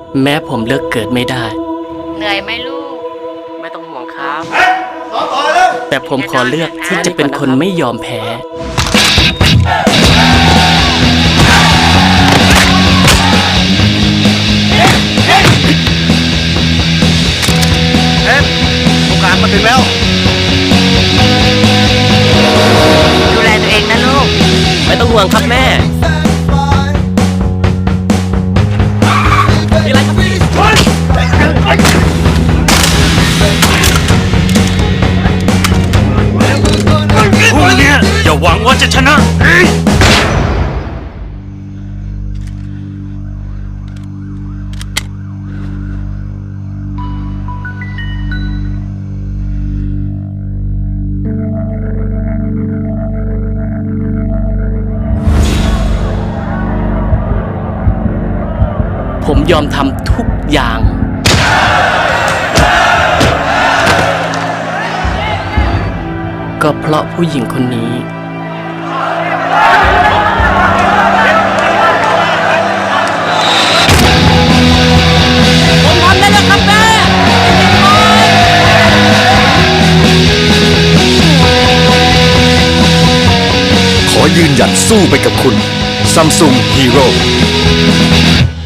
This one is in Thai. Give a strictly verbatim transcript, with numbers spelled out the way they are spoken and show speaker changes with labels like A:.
A: แม้ผมเลือกเกิดไม่ได้
B: เหนื่อยไหมลูก
A: ไม่ต้องห่วงครับแต่ผมขอเลือกที่จะเป็นคนไม่ยอมแพ้
C: เอ๊ะโอกาสมาถึงแล้ว
B: ดูแลตัวเองนะลูก
A: ไม่ต้องห่วงครับแม่มีอะไรครับพี่
C: พวกเนี้ยอย่าหวังว่าจะชนะ
A: ผมยอมทำทุกอย่าง ก็เพราะผู้หญิงคนนี้ผมทำได้แล้วครับแม่
D: ขอยืนหยัดสู้ไปกับคุณ Samsung Hero